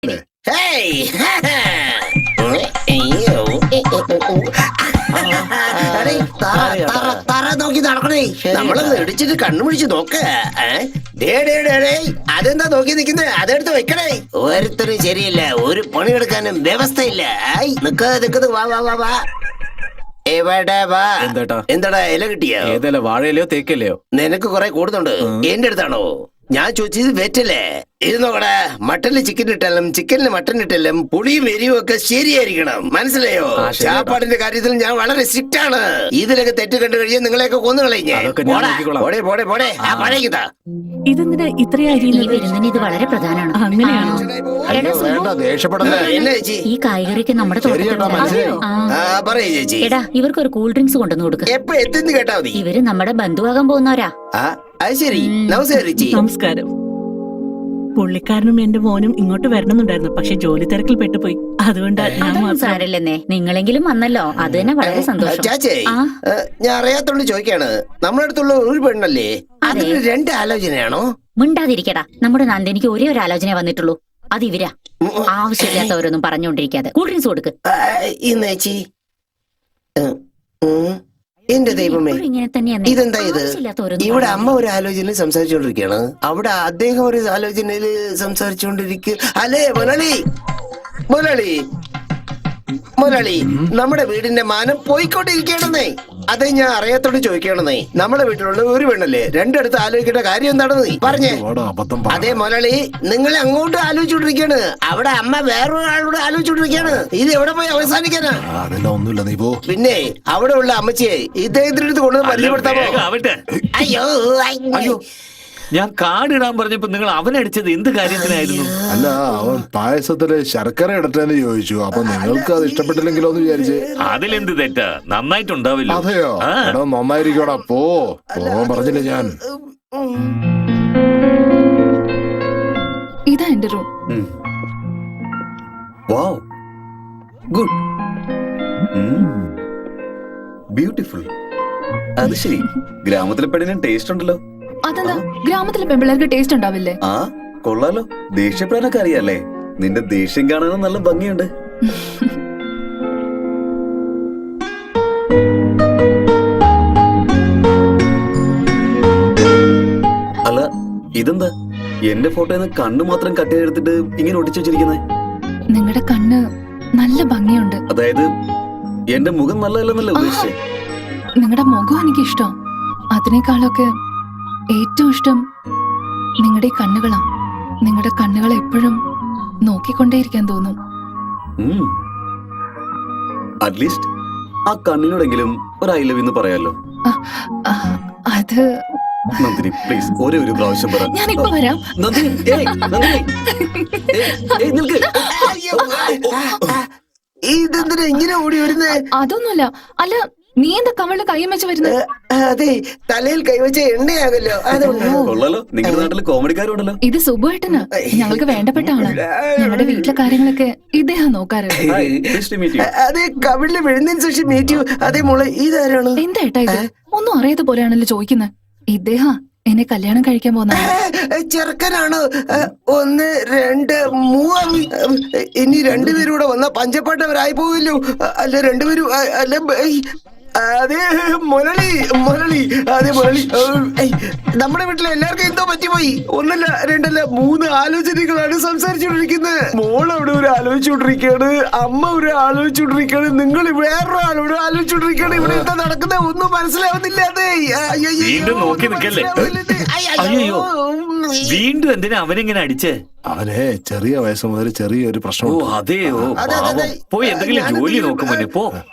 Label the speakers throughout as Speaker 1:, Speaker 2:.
Speaker 1: തറ നോക്കി നടക്കണേ, നമ്മളത് ഇടിച്ചിട്ട് കണ്ണുപിടിച്ച് നോക്ക. അതെന്താ നോക്കി നിക്കുന്നേ? അതെടുത്ത് വെക്കണേ. ഒരുത്തരും ശരിയില്ല, ഒരു പണിയെടുക്കാനും വ്യവസ്ഥയില്ല. നിക്കത് വാ വാ വാ വാ. എവിടെ വാ? എന്താടാ ഇല കിട്ടിയോ?
Speaker 2: ഏതല്ല, വാഴയിലയോ തേക്കല്ലയോ?
Speaker 1: നിനക്ക് കുറെ കൂടുന്നുണ്ട്. എന്റെ അടുത്താണോ? ഞാൻ ചോദിച്ചത് വെറ്റല്ലേ? ഇത് നോക്കടാ, മട്ടനില് ചിക്കൻ ഇട്ടാലും ചിക്കനില് മട്ടൻ ഇട്ടാലും പുളിയും എരിവും ഒക്കെ ശരിയായിരിക്കണം, മനസ്സിലായോ? ചാപ്പാടിന്റെ കാര്യത്തിൽ ഞാൻ വളരെ സ്ട്രിക്റ്റ് ആണ്. ഇതിലൊക്കെ തെറ്റ് കണ്ടു കഴിഞ്ഞാൽ നിങ്ങളെയൊക്കെ കൊന്നു കളഞ്ഞേ.
Speaker 3: ഇതെന്തിനാ ഇത്രയും അരിയുന്നത്?
Speaker 4: ഇത് വളരെ പ്രധാനമാണ്.
Speaker 3: അങ്ങനെയാണോ?
Speaker 4: ഈ കായ്കറിക്ക് നമ്മുടെ
Speaker 1: ചേച്ചി,
Speaker 4: എടാ ഇവർക്ക് ഒരു കൂൾ ഡ്രിങ്ക്സ് കൊണ്ടുവന്ന് കൊടുക്കുക.
Speaker 1: എപ്പോ എത്തുന്നു കേട്ടാ മതി.
Speaker 4: ഇവര് നമ്മുടെ ബന്ധുവാകാൻ പോകുന്നവരാ.
Speaker 1: അത് ശരി.
Speaker 3: നമസ്കാരം. പുള്ളിക്കാരനും എന്റെ മോനും ഇങ്ങോട്ട് വരണമെന്നുണ്ടായിരുന്നു, പക്ഷെ ജോലി തിരക്കിൽ പെട്ടുപോയി. അതുകൊണ്ടാ ഞാൻ
Speaker 4: സാരല്ലെന്നേ. നിങ്ങളെങ്കിലും വന്നല്ലോ, അത് തന്നെ വളരെ സന്തോഷം.
Speaker 1: ചാച്ചേ, ഞാൻ അറിയാത്തോണ്ട് ചോദിക്കാണ്, നമ്മുടെ അടുത്തുള്ള ഒരു പെണ്ണല്ലേ, അതിന് രണ്ട് ആലോചനയാണോ?
Speaker 4: മിണ്ടാതിരിക്കടാ. നമ്മുടെ നന്ദിനിക്ക് ഒരേ ഒരു ആലോചന വന്നിട്ടുള്ളൂ, അത് ഇവരാ. ആവശ്യമില്ലാത്തവരൊന്നും പറഞ്ഞുകൊണ്ടിരിക്കാതെ കൂൾ ഡ്രിങ്ക്സ് കൊടുക്ക്.
Speaker 1: ഇന്നേച്ചി, എന്റെ ദൈവമേ, ഇതെന്താ ഇത്? ഇവിടെ അമ്മ ഒരു ആലോചനയിൽ സംസാരിച്ചുകൊണ്ടിരിക്കുകയാണ്, അവിടെ അദ്ദേഹം ഒരു ആലോചനയിൽ സംസാരിച്ചുകൊണ്ടിരിക്കുക. അല്ലേ മുരളി, മുരളി, മുരളി, നമ്മുടെ വീടിന്റെ മാനം പോയിക്കൊണ്ടിരിക്കണെന്നേ. അതെ, ഞാൻ അറിയാത്തോണ്ട് ചോദിക്കണെന്നേ. നമ്മുടെ വീട്ടിലുള്ള ഒരു പെണ്ണല്ലേ, രണ്ടിടത്ത് ആലോചിക്കേണ്ട കാര്യം എന്താണെന്ന് നീ പറഞ്ഞേ. അതെ മുരളി, നിങ്ങൾ അങ്ങോട്ട് ആലോചിച്ചോണ്ടിരിക്കാണ്, അവിടെ അമ്മ വേറൊരാളോട് ആലോചിച്ചോണ്ടിരിക്കാണ്. ഇത് എവിടെ പോയി അവസാനിക്കാനാ? പിന്നെ അവിടെ ഉള്ള അമ്മച്ചിയെ ഇദ്ദേഹത്തിന്റെ അടുത്ത് കൊണ്ടുവന്ന് പരിചയപ്പെടുത്താമോ? അയ്യോ അയ്യോ,
Speaker 2: ഞാൻ കാടിടാൻ പറഞ്ഞപ്പോ നിങ്ങൾ അവനടിച്ചത് എന്ത് കാര്യത്തിനായിരുന്നു?
Speaker 5: അല്ല, അവൻ പായസത്തില് ശർക്കര ഇടട്ടെന്ന് ചോദിച്ചു, അപ്പൊ നിങ്ങൾക്ക് അത് ഇഷ്ടപ്പെട്ടില്ലെങ്കിലോ എന്ന് വിചാരിച്ച്.
Speaker 2: അതിലെന്ത് തെറ്റാ? നന്നായിട്ടുണ്ടാവില്ല.
Speaker 5: അതെയോ? എടാ നന്നായിരിക്കോടാ, പോവാൻ പറഞ്ഞില്ലേ ഞാൻ.
Speaker 6: ഇതാ എന്റെ റൂം.
Speaker 7: വാവ്, ഗുഡ്, ബ്യൂട്ടിഫുൾ. അത് ശരി, ഗ്രാമത്തിലെ പെണ്ണിന് ടേസ്റ്റ് ഉണ്ടല്ലോ.
Speaker 6: അതെന്താ, ഗ്രാമത്തിലെ പെൺപിള്ളേർക്ക് ടേസ്റ്റ് ഉണ്ടാവില്ലേ?
Speaker 7: ആ കൊള്ളാലോ, ദേഷ്യപ്പെടാനൊക്കെ അറിയാല്ലേ? നിന്റെ ദേഷ്യം കാണാനും നല്ല ഭംഗിയുണ്ട്. അല്ല, ഇതെന്താ എന്റെ ഫോട്ടോന്ന് കണ്ണ് മാത്രം കട്ട് ചെയ്തെടുത്തിട്ട് ഇങ്ങനെ ഒട്ടിച്ചു വെച്ചിരിക്കുന്നേ?
Speaker 6: നിങ്ങളുടെ കണ്ണ് നല്ല ഭംഗിയുണ്ട്.
Speaker 7: അതായത് എന്റെ മുഖം നല്ലതല്ലെന്നല്ലേ ഉദ്ദേശിച്ചേ?
Speaker 6: നിങ്ങളുടെ മുഖം എനിക്ക് ഇഷ്ടം. അതിനേക്കാളൊക്കെ ഏറ്റവും ഇഷ്ടം നിങ്ങളുടെ കണ്ണുകളാ. നിങ്ങളുടെ കണ്ണുകളെ എപ്പോഴും നോക്കിക്കൊണ്ടേയിരിക്കാൻ തോന്നും.
Speaker 7: അറ്റ്ലീസ്റ്റ് ആ കണ്ണിനോടെങ്കിലും ഒരു ഐ ലവ് എന്ന് പറയാലോ.
Speaker 6: അത്
Speaker 7: നന്ദിനി, പ്ലീസ് ഒരേ ഒരു പ്രാവശ്യം പറ.
Speaker 6: ഞാനിപ്പോ വരാം.
Speaker 7: നന്ദിനി, നിൽക്ക്.
Speaker 1: ഇതെന്തിനാ ഇങ്ങനെ ഓടി വരുന്നേ?
Speaker 6: അതൊന്നുമല്ല. അല്ല, നീ എന്താ കവളിൽ കൈയും വെച്ച് വരുന്നത്?
Speaker 1: അതെ, തലയിൽ കൈവച്ച എണ്ണയാകല്ലോ.
Speaker 7: കൊള്ളാലോ, നിങ്ങളുടെ നാട്ടില് കോമഡിക്കാരുണ്ടല്ലോ.
Speaker 6: ഇത് സുബുവേട്ടന് ഞങ്ങൾക്ക് വേണ്ടപ്പെട്ട ആള്. ഞങ്ങളുടെ വീട്ടിലെ കാര്യങ്ങളൊക്കെ ഇദ്ദേഹം നോക്കാറ്.
Speaker 1: അതെ, കവിളില് വിഴുന്നതിന് ശേഷം മീറ്റ് യു. അതെ മോളെ, ഇതാരാണ്?
Speaker 6: എന്താ ഏട്ടാ ഇത്? ഒന്നും അറിയാത്ത പോലെയാണല്ലോ ചോദിക്കുന്നത്. ഇദ്ദേഹം എന്നെ കല്യാണം കഴിക്കാൻ പോകുന്ന
Speaker 1: ചെറുക്കനാണ്. 1 2 3. ഇനി രണ്ടുപേരൂടെ വന്ന പഞ്ചപ്പാട്ടവരായി പോവില്ലോ. അല്ല, രണ്ടുപേരും അല്ല. അതെ മുരളി, മുരളി, അതെ മുരളി. നമ്മുടെ വീട്ടിലെ എല്ലാവർക്കും എന്തോ പറ്റിപ്പോയി. 1 2 3 ആലോചനകളാണ് സംസാരിച്ചുകൊണ്ടിരിക്കുന്നത്. മോൾ അവിടെ ഒരു ആലോചിച്ചുകൊണ്ടിരിക്കുകയാണ്, അമ്മ ഒരു ആലോചിച്ചുകൊണ്ടിരിക്കുകയാണ്, നിങ്ങൾ വേറൊരാളോട് ആലോചിച്ചുകൊണ്ടിരിക്കുകയാണ്. ഇവിടെ എന്താ നടക്കുന്നത് ഒന്നും മനസ്സിലാവുന്നില്ല. അതെ,
Speaker 2: അയ്യോ, വീണ്ടും എന്തിനാ അവനിങ്ങനെ അടിച്ചേ?
Speaker 5: അവനെ ചെറിയ വയസ്സ് മുതൽ ചെറിയൊരു പ്രശ്നം.
Speaker 2: അതെയോ? പോയി എന്തെങ്കിലും ജോലി നോക്കുമോനെ.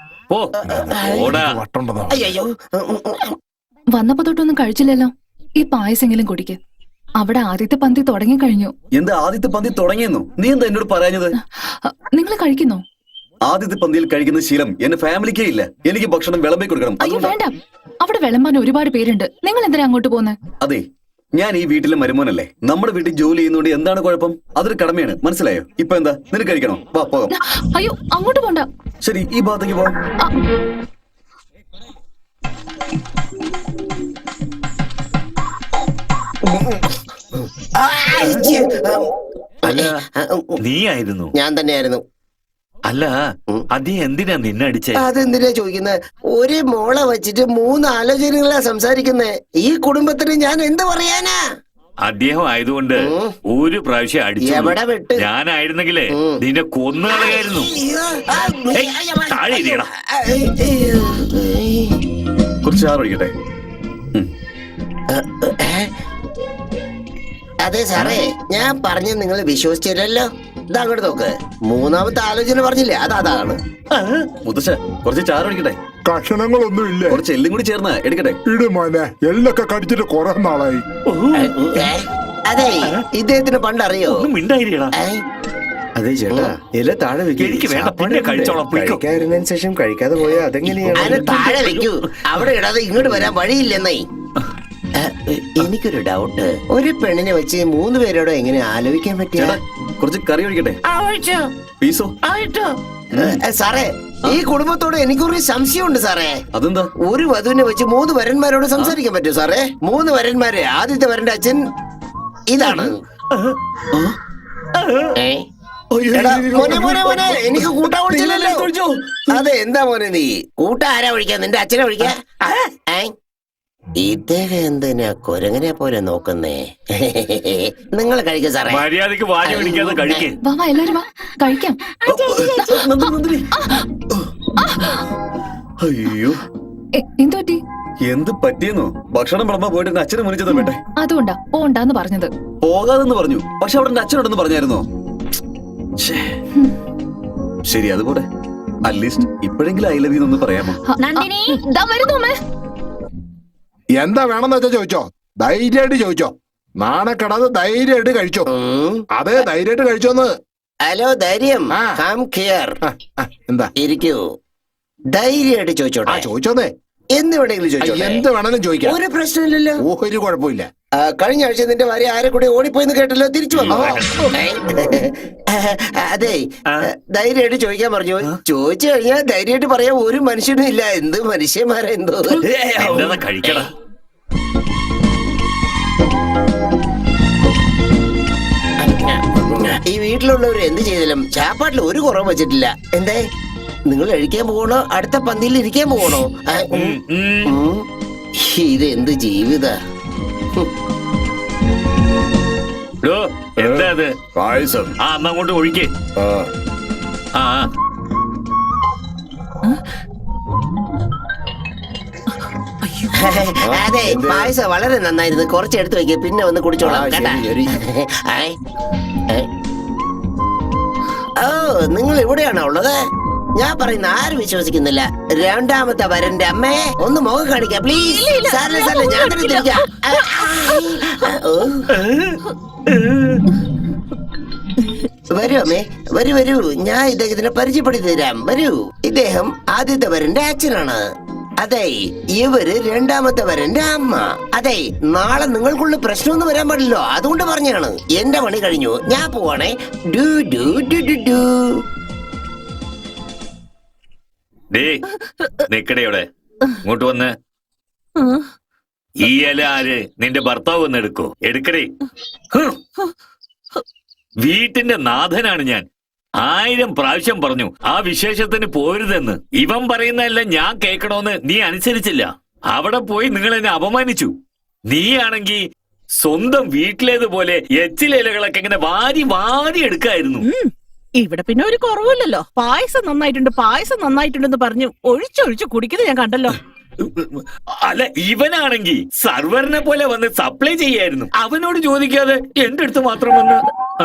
Speaker 6: വന്നപ്പോ തൊട്ടൊന്നും കഴിച്ചില്ലല്ലോ. ഈ പായസെങ്കിലും കുടിക്ക്. അവിടെ ആദ്യത്തെ പന്തി തുടങ്ങി കഴിഞ്ഞു.
Speaker 7: എന്താ ആദ്യത്തെ പന്തി തുടങ്ങിയെന്നു? നീ എന്താ എന്നോട് പറഞ്ഞത്?
Speaker 6: നിങ്ങൾ കഴിക്കുന്നോ?
Speaker 7: ആദ്യത്തെ പന്തിയിൽ കഴിക്കുന്ന ശീലം എന്റെ ഫാമിലിക്കേ ഇല്ല. എനിക്ക് ഭക്ഷണം വിളമ്പി കൊടുക്കണം.
Speaker 6: അയ്യോ വേണ്ട, അവിടെ വിളമ്പാൻ ഒരുപാട് പേരുണ്ട്. നിങ്ങൾ എന്തിനാ അങ്ങോട്ട് പോകുന്നത്?
Speaker 7: അതെ, ഞാൻ ഈ വീട്ടിലെ മരുമോനല്ലേ. നമ്മുടെ വീട്ടിൽ ജോലി ചെയ്യുന്നോണ്ട് എന്താണ് കുഴപ്പം? അതൊരു കടമയാണ്, മനസ്സിലായോ? ഇപ്പൊ എന്താ, നിനക്ക് കഴിക്കണോ? വാ പോകാം.
Speaker 6: അയ്യോ, അങ്ങോട്ട് പോണ്ട.
Speaker 7: ശരി, ഈ ഭാഗത്തേക്ക് പോവാം.
Speaker 2: അല്ല നീ ആയിരുന്നു?
Speaker 1: ഞാൻ തന്നെയായിരുന്നു.
Speaker 2: അല്ല അദ്ദേഹം എന്തിനാ നിന്നെ അടിച്ചേ?
Speaker 1: അതെന്തിനാ ചോദിക്കുന്നത്? ഒരു മോളെ വെച്ചിട്ട് 3 ആലോചനകളാ സംസാരിക്കുന്നേ. ഈ കുടുംബത്തിന് ഞാൻ എന്ത് പറയാനാ?
Speaker 2: അദ്ദേഹം ആയതുകൊണ്ട് ഒരു പ്രാവശ്യം അടിച്ചു.
Speaker 1: എവിടെ വിട്ട്?
Speaker 2: ഞാനായിരുന്നെങ്കിലേ നിന്നെ കൊന്നുകളയായിരുന്നു. താഴെ ഇരിയടാ.
Speaker 7: കുറച്ച് ചാറ് ഒഴിക്കട്ടെ.
Speaker 1: അതെ സാറേ, ഞാൻ പറഞ്ഞ നിങ്ങൾ വിശ്വസിച്ചില്ലല്ലോ. ഇതാ അങ്ങോട്ട് നോക്ക്, 3ാമത്തെ ആലോചന പറഞ്ഞില്ലേ, അതാണ്.
Speaker 7: മുത്തശ്ശ കുറച്ച് ചാറ് ഒഴിക്കട്ടെ.
Speaker 5: കഷണങ്ങളൊന്നും ഇല്ല.
Speaker 7: കുറച്ച് എല്ലും കൂടി ചേർന്ന് എടുക്കട്ടെ.
Speaker 5: ഇട് മോനെ, എല്ലൊക്കെ കടിച്ചിട്ട് കുറെ നാളായി.
Speaker 1: അതെ, ഇദ്ദേഹത്തിന് പണ്ടറിയോ?
Speaker 2: ഒന്നും മിണ്ടായിരിക്കടാ.
Speaker 8: അതെ ചേട്ടാ, ഇല താഴെ
Speaker 2: എനിക്ക് വേണ്ട, പിന്നെ കഴിച്ചോളാം.
Speaker 8: കഴിക്കാതിരുന്നതിന് ശേഷം കഴിക്കാതെ പോയാൽ അതെങ്ങനെയാണ്?
Speaker 1: അതിന് താഴെ വെക്കൂ, അവിടെ ഇടാതെ ഇങ്ങോട്ട് വരാൻ വഴിയില്ലെന്നേ. എനിക്കൊരു ഡൗട്ട്, ഒരു പെണ്ണിനെ വെച്ച് 3 പേരോട് എങ്ങനെ ആലോചിക്കാൻ പറ്റിയ?
Speaker 7: കുറച്ച് കറി ഒഴിക്കട്ടെ. പീസോ?
Speaker 1: സാറേ, ഈ കുടുംബത്തോട് എനിക്കൊരു സംശയമുണ്ട് സാറേ.
Speaker 7: അതെന്താ?
Speaker 1: ഒരു വധുവിനെ വെച്ച് 3 വരന്മാരോട് സംസാരിക്കാൻ പറ്റുമോ സാറേ? 3 വരന്മാര്, ആദ്യത്തെ വരന്റെ അച്ഛൻ ഇതാണ്. എടാ, മോനെ മോനെ മോനെ, എനിക്ക് കൂട്ടാ വിളിച്ചില്ലല്ലോ. അതെ, എന്താ മോനെ നീ കൂട്ട ആരാ വിളിക്കാ? നിന്റെ അച്ഛനെ വിളിക്കാ? ഇദ്ദേഹം എന്തിനാ കുരങ്ങനെ പോലെ നോക്കുന്നേ? നിങ്ങൾ കഴിക്കും സാറേ.
Speaker 2: മര്യാദക്ക് വാരി പിടിക്കാതെ കഴിക്കേ.
Speaker 6: വാ വാ, എല്ലാരും വാ, കഴിക്കാം.
Speaker 7: അയ്യോ,
Speaker 6: എന്തു പറ്റി?
Speaker 7: എന്ത് പറ്റിയെന്നോ? ഭക്ഷണം വിളമ്പാൻ പോയിട്ട് എന്റെ അച്ഛനെ മുന്നിച്ചതാ വേണ്ടേ?
Speaker 6: അതുകൊണ്ടാ പോണ്ടാന്ന് പറഞ്ഞത്.
Speaker 7: പോകാതെന്ന് പറഞ്ഞു, പക്ഷെ അവിടെ എന്റെ അച്ഛനോടൊന്ന് പറഞ്ഞായിരുന്നോ? ശരി, അതുപോലെ അറ്റ്ലീസ്റ്റ് ഇപ്പോഴെങ്കിലും ഐ ലവ് യു എന്ന് പറയാമോ?
Speaker 4: നന്ദിനി,
Speaker 6: ദാ വരുന്നു അമ്മേ.
Speaker 5: എന്താ വേണമെന്ന് വെച്ചാ ചോദിച്ചോ, ധൈര്യമായിട്ട് ചോദിച്ചോ. നാണക്കെടാതെ ധൈര്യമായിട്ട് കഴിച്ചോ. അതെ, ധൈര്യമായിട്ട് കഴിച്ചോന്ന്.
Speaker 1: ഹലോ, ധൈര്യം, കം ഹിയർ.
Speaker 5: എന്താ?
Speaker 1: ഇരിക്കൂ. ധൈര്യമായിട്ട് ചോദിച്ചോട്ടെ.
Speaker 5: ചോദിച്ചോന്നേ.
Speaker 1: എന്ത് വേണമെങ്കിലും ചോദിച്ചോട്ടെ.
Speaker 5: എന്ത് വേണമെങ്കിലും ചോദിക്കാം.
Speaker 1: ഒരു പ്രശ്നമില്ലല്ലോ.
Speaker 5: ഒരു കുഴപ്പമില്ല.
Speaker 1: കഴിഞ്ഞ ആഴ്ച നിന്റെ ഭാര്യ ആരെ കൂടെ ഓടിപ്പോയെന്ന് കേട്ടല്ലോ, തിരിച്ചു വന്നോ? അതെ, ധൈര്യമായിട്ട് ചോദിക്കാൻ പറഞ്ഞു. ചോദിച്ചു കഴിഞ്ഞാൽ ധൈര്യമായിട്ട് പറയാൻ ഒരു മനുഷ്യനും ഇല്ല. എന്ത് മനുഷ്യന്മാരാ എന്തോ.
Speaker 2: കഴിക്കടാ.
Speaker 1: ഈ വീട്ടിലുള്ളവർ എന്ത് ചെയ്താലും ചാപ്പാട്ടിൽ ഒരു കുറവ് വെച്ചിട്ടില്ല. എന്തേ, നിങ്ങൾ കഴിക്കാൻ പോകണോ അടുത്ത പന്തിയിൽ ഇരിക്കാൻ പോകണോ? ഇത് എന്ത് ജീവിത?
Speaker 2: എന്താ അത്?
Speaker 5: പായസം.
Speaker 2: അമ്മ അങ്ങോട്ട് ഒഴിക്കേ.
Speaker 1: അതെ, പായസം വളരെ നന്നായിരുന്നു. കുറച്ച് എടുത്ത് വെക്കുക, പിന്നെ ഒന്ന് കുടിച്ചോളാം കേട്ടാ. ഓ, നിങ്ങൾ ഇവിടെയാണോ ഉള്ളത്? ഞാൻ പറയുന്ന ആരും വിശ്വസിക്കുന്നില്ല. 2ാമത്തെ വരന്റെ അമ്മേ, ഒന്ന് മുഖം കാണിക്കാം പ്ലീസ്. സാറില്ല സാറില്ല, ഞാൻ തന്നെ തിരിക്കാം. വരൂ അമ്മേ, വരൂ വരൂ, ഞാൻ ഇദ്ദേഹത്തിനെ പരിചയപ്പെടുത്തി തരാം. വരൂ, ഇദ്ദേഹം ആദ്യത്തെ വരന്റെ അച്ഛനാണ്. അതെ, ഇവര് 2ാമത്തെ വരന്റെ അമ്മ. അതെ, നാളെ നിങ്ങൾക്കുള്ള പ്രശ്നമൊന്നും വരാൻ പാടില്ലോ, അതുകൊണ്ട് പറഞ്ഞാണ്. എന്റെ പണി കഴിഞ്ഞു, ഞാൻ പോവാണേ. ഡു ഡു ഡു ഡു ഡു.
Speaker 2: നിക്കടയോടെ ഇങ്ങോട്ട് വന്ന്. ഈ ഇല ആര്? നിന്റെ ഭർത്താവ് വന്ന് എടുക്കോ? എടുക്കടേ. വീട്ടിന്റെ നാഥനാണ് ഞാൻ. 1000 പ്രാവശ്യം പറഞ്ഞു ആ വിശേഷത്തിന് പോരുതെന്ന്. ഇവൻ പറയുന്നതെല്ലാം ഞാൻ കേൾക്കണോന്ന് നീ അനുസരിച്ചില്ല. അവിടെ പോയി നിങ്ങൾ എന്നെ അപമാനിച്ചു. നീയാണെങ്കി സ്വന്തം വീട്ടിലേതുപോലെ എച്ചിലയിലകളൊക്കെ ഇങ്ങനെ വാരി വാരി എടുക്കായിരുന്നു.
Speaker 3: ഇവിടെ പിന്നെ ഒരു കുറവില്ലല്ലോ. പായസം നന്നായിട്ടുണ്ടെന്ന് പറഞ്ഞു ഒഴിച്ചൊഴിച്ച് കുടിക്കുന്നത് ഞാൻ കണ്ടല്ലോ.
Speaker 2: അല്ല, ഇവനാണെങ്കി സർവറിനെ പോലെ വന്ന് സപ്ലൈ ചെയ്യായിരുന്നു. അവനോട് ചോദിക്കാതെ എന്റെ അടുത്ത് മാത്രം വന്ന്.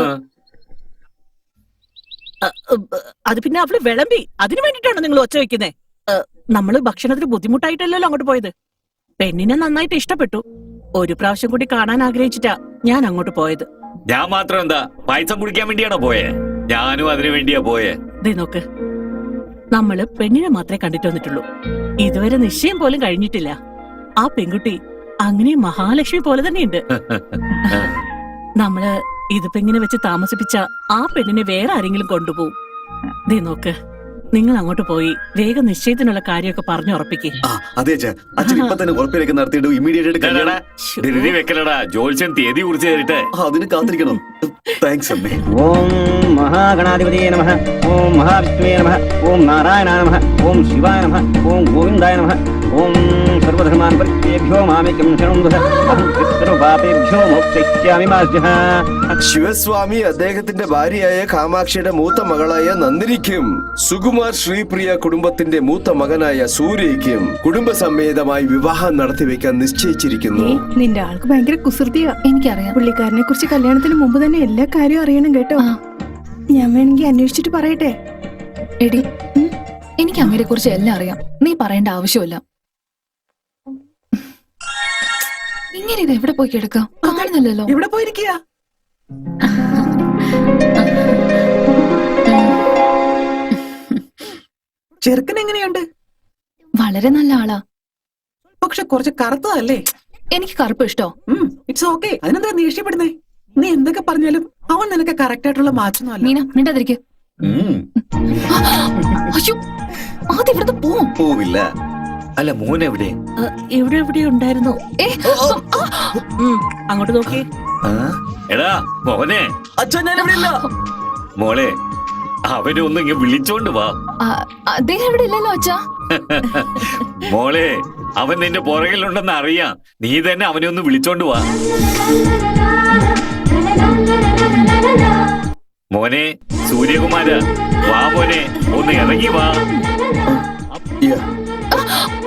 Speaker 3: അത് പിന്നെ അവള് വിളമ്പി, അതിനു വേണ്ടിട്ടാണ് നിങ്ങൾ ഒച്ച വെക്കുന്നേ. നമ്മള് ഭക്ഷണത്തിന് ബുദ്ധിമുട്ടായിട്ടല്ലല്ലോ അങ്ങോട്ട് പോയത്. പെണ്ണിനെ നന്നായിട്ട് ഇഷ്ടപ്പെട്ടു. ഒരു പ്രാവശ്യം കൂടി കാണാൻ ആഗ്രഹിച്ചിട്ടാ ഞാൻ അങ്ങോട്ട് പോയത്.
Speaker 2: ഞാൻ മാത്രം എന്താ പായസം കുടിക്കാൻ വേണ്ടിയാണോ പോയേ? ഞാനും അതിനു വേണ്ടിയാ പോയേ.
Speaker 3: ദേ നോക്ക്, നമ്മള് പെണ്ണിനെ മാത്രമേ കണ്ടിട്ട് വന്നിട്ടുള്ളൂ. ഇതുവരെ നിശ്ചയം പോലും കഴിഞ്ഞിട്ടില്ല. ആ പെൺകുട്ടി അങ്ങനെ മഹാലക്ഷ്മി പോലെ തന്നെയുണ്ട്. നമ്മള് ഇതിപ്പോ ഇങ്ങനെ വെച്ച് താമസിപ്പിച്ച ആ പെണ്ണിനെ വേറെ ആരെങ്കിലും കൊണ്ടുപോകും. ദേ നോക്ക്, നിങ്ങൾ അങ്ങോട്ട് പോയി വേഗം നിശ്ചയത്തിനുള്ള കാര്യമൊക്കെ പറഞ്ഞു ഉറപ്പിക്കേ.
Speaker 7: ആ അതെ അച്ഛാ, അച്ഛൻ ഇപ്പൊ തന്നെ ഉറപ്പിലേക്ക് നടത്തിയിട്ട് ഇമ്മീഡിയറ്റ് ആയിട്ട്
Speaker 2: ഡാടാ,
Speaker 7: കല്യാണം.
Speaker 2: ധൃതി വെക്കലടാ, ജോത്സ്യൻ തീയതി കുറിച്ച് തരട്ടെ.
Speaker 7: അതിന് കാത്തിരിക്കണം. താങ്ക്സ് അമ്മേ.
Speaker 9: ഓം മഹാഗണാധിപതിയെ നമഃ. ഓം മഹാവിഷ്ണുവേ നമഃ. ഓം നാരായണായ നമഃ. ഓം ശിവായ നമഃ. ഓം ഗോവിന്ദായ നമഃ. ഓം സർവധർമാൻ പരിത്യേഭ്യോ മാമേകം ശരണം വദ. അഹം സർവപാപേഭ്യോ മോക്ഷയിഷ്യാമി മാ സ്യാഹ.
Speaker 1: ശിവസ്വാമി അദ്ദേഹത്തിന്റെ ഭാര്യയായ കാമാക്ഷിയുടെ മൂത്ത മകളായ നന്ദിനിക്കും സുകുമാർ ശ്രീപ്രിയ കുടുംബത്തിന്റെ മൂത്ത മകനായ സൂര്യയ്ക്കും കുടുംബസമേതമായി വിവാഹം നടത്തിവെക്കാൻ നിശ്ചയിച്ചിരിക്കുന്നു.
Speaker 10: നിന്റെ ആൾക്ക് ഭയങ്കര കുസൃതിയാ.
Speaker 6: എനിക്കറിയാം.
Speaker 10: പുള്ളിക്കാരനെ കുറിച്ച് കല്യാണത്തിന് മുമ്പ് തന്നെ എല്ലാ കാര്യവും അറിയണം കേട്ടോ.
Speaker 6: ആ.
Speaker 10: ഞാൻ വേണമെങ്കിൽ അന്വേഷിച്ചിട്ട് പറയട്ടെ.
Speaker 6: എടി എനിക്ക് അങ്ങയെ കുറിച്ച് എല്ലാം അറിയാം. നീ പറയേണ്ട ആവശ്യമില്ല. ഇങ്ങനെ ഇത് എവിടെ പോയി കിടക്കാം? കാണുന്നില്ലല്ലോ.
Speaker 3: ഇവിടെ പോയിരിക്കുക. ചെറുക്കൻ എങ്ങനെയുണ്ട്?
Speaker 6: വളരെ നല്ല ആളാ.
Speaker 3: പക്ഷെ കുറച്ച് കറുത്തതല്ലേ?
Speaker 6: എനിക്ക് കറുപ്പ് ഇഷ്ടോ?
Speaker 3: It's okay. അതിനെന്താ നീ ഇഷ്ടപ്പെടുന്നേ? നീ എന്തൊക്കെ പറഞ്ഞാലും അവൻ നിനക്ക് കറക്റ്റ് ആയിട്ടുള്ള മാച്ചൊന്നും
Speaker 6: മീന മിണ്ടാതിരിക്കെ.
Speaker 7: ഉം,
Speaker 6: അയ്യോ ആദ്യം ഇവിടുന്ന് പോവും.
Speaker 7: പോവില്ല.
Speaker 2: അല്ല, മോൻ എവിടെ?
Speaker 3: ഇവിടെ എവിടെ ഉണ്ടായിരുന്നു.
Speaker 6: ഏ,
Speaker 3: അങ്ങോട്ട് നോക്കി.
Speaker 7: ആ?
Speaker 2: എടാ മോനെ,
Speaker 7: അച്ഛാ ഞാൻ ഇവിടെ ഇല്ല.
Speaker 2: മോളെ, അവനെ ഒന്ന് ഇങ്ങ് വിളിച്ചോണ്ട് വാ.
Speaker 6: ആ, അദ്ദേഹം ഇവിടെ ഇല്ലല്ലോ അച്ഛാ.
Speaker 2: മോളെ, അവൻ നിന്റെ പുറകിലുണ്ടെന്ന് അറിയാം. നീ തന്നെ അവനെ ഒന്ന് വിളിച്ചോണ്ട് വാ. മോനെ സൂര്യകുമാര, വാ മോനെ, ഒന്ന് ഇറങ്ങി വാ.
Speaker 7: Yeah.